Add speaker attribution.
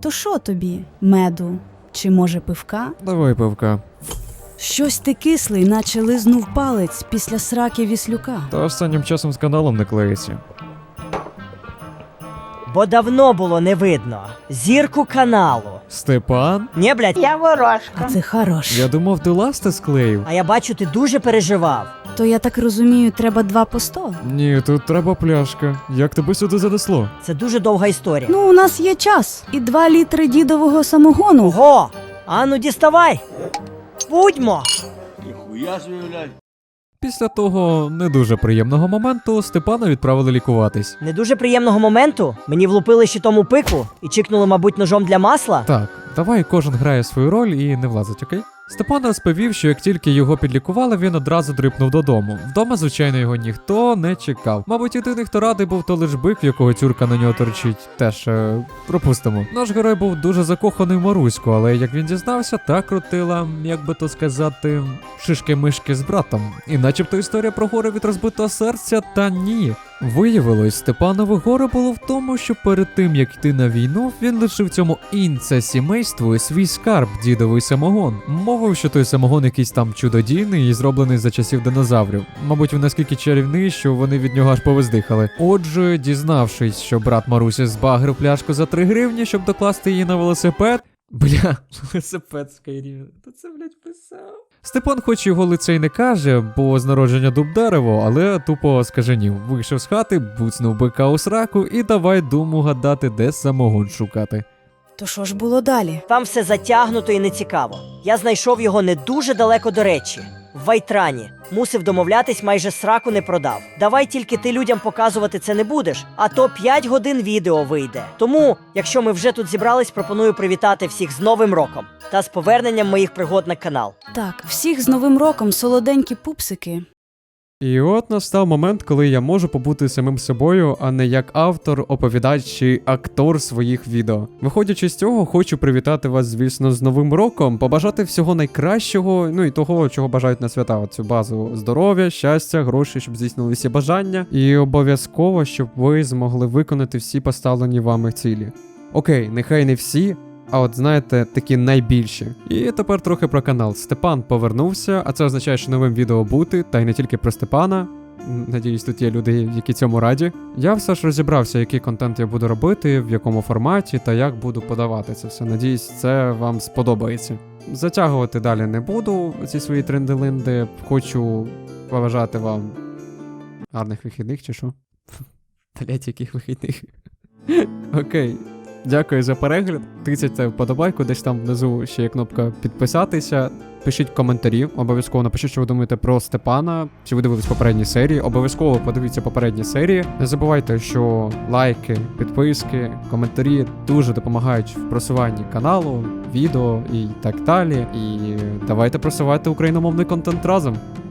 Speaker 1: То що тобі? Меду? Чи може пивка?
Speaker 2: Давай пивка.
Speaker 1: Щось ти кислий, наче лизнув палець після сраки Віслюка.
Speaker 2: Та останнім часом з каналом не клеїться.
Speaker 3: Бо давно було не видно зірку каналу.
Speaker 2: Степан?
Speaker 3: Ні, блядь, я ворожка.
Speaker 1: А це хорош.
Speaker 2: Я думав, ти ласти склеїв.
Speaker 3: А я бачу, ти дуже переживав.
Speaker 1: То я так розумію, треба 2 по 100?
Speaker 2: Ні, тут треба пляшка. Як тебе сюди занесло?
Speaker 3: Це дуже довга історія.
Speaker 1: Ну, у нас є час. І 2 літри дідового самогону.
Speaker 3: Ого! Ану, діставай! Будьмо!
Speaker 4: Ніхуя собі, блядь.
Speaker 2: Після того не дуже приємного моменту Степана відправили лікуватись.
Speaker 3: Не дуже приємного моменту. Мені влупили щитом у пику і чикнули, мабуть, ножом для масла.
Speaker 2: Так, давай кожен грає свою роль і не влазить, окей? Степан розповів, що як тільки його підлікували, він одразу дрипнув додому. Вдома, звичайно, його ніхто не чекав. Мабуть, єдиний, хто радий був, то лиш бик, в якого тюрка на нього торчить. Теж пропустимо. Наш герой був дуже закоханий в Маруську, але як він дізнався, та крутила, як би то сказати, шишки-мишки з братом. І начебто історія про горе від розбитого серця, та ні. Виявилось, Степанове горе було в тому, що перед тим, як йти на війну, він лишив цьому інце-сімейству свій скарб, дідовий самогон. Мовив, що той самогон якийсь там чудодійний і зроблений за часів динозаврів. Мабуть, він наскільки чарівний, що вони від нього аж повиздихали. Отже, дізнавшись, що брат Марусі збагрив пляшку за 3 гривні, щоб докласти її на велосипед. Бля, велосипед Skyrim. То це, блядь, писав. Степан хоч його лице й не каже, бо з народження дуб дерево, але тупо скаженів. Вийшов з хати, буцнув бика у сраку і давай думу гадати, де самогон шукати.
Speaker 1: То що ж було далі?
Speaker 3: Там все затягнуто і нецікаво. Я знайшов його не дуже далеко до речі. В Вайтрані. Мусив домовлятись, майже сраку не продав. Давай тільки ти людям показувати це не будеш, а то 5 годин відео вийде. Тому, якщо ми вже тут зібрались, пропоную привітати всіх з Новим роком та з поверненням моїх пригод на канал.
Speaker 1: Так, всіх з Новим роком, солоденькі пупсики.
Speaker 2: І от настав момент, коли я можу побути самим собою, а не як автор, оповідач чи актор своїх відео. Виходячи з цього, хочу привітати вас, звісно, з Новим роком, побажати всього найкращого, ну і того, чого бажають на свята. Оцю базу здоров'я, щастя, грошей, щоб здійснили всі бажання. І обов'язково, щоб ви змогли виконати всі поставлені вами цілі. Окей, нехай не всі, а от знаєте, такі найбільші. І тепер трохи про канал. Степан повернувся, а це означає, що новим відео бути, та й не тільки про Степана. Надіюсь, тут є люди, які цьому раді. Я все ж розібрався, який контент я буду робити, в якому форматі та як буду подавати це все. Надіюсь, це вам сподобається. Затягувати далі не буду ці свої тренделинди. Хочу побажати вам гарних вихідних, чи що? Блять, яких вихідних? Окей. Дякую за перегляд. Тицяйте вподобайку, десь там внизу ще є кнопка підписатися. Пишіть коментарі, обов'язково напишіть, що ви думаєте про Степана, чи ви дивились попередні серії. Обов'язково подивіться попередні серії. Не забувайте, що лайки, підписки, коментарі дуже допомагають в просуванні каналу, відео і так далі. І давайте просувати україномовний контент разом.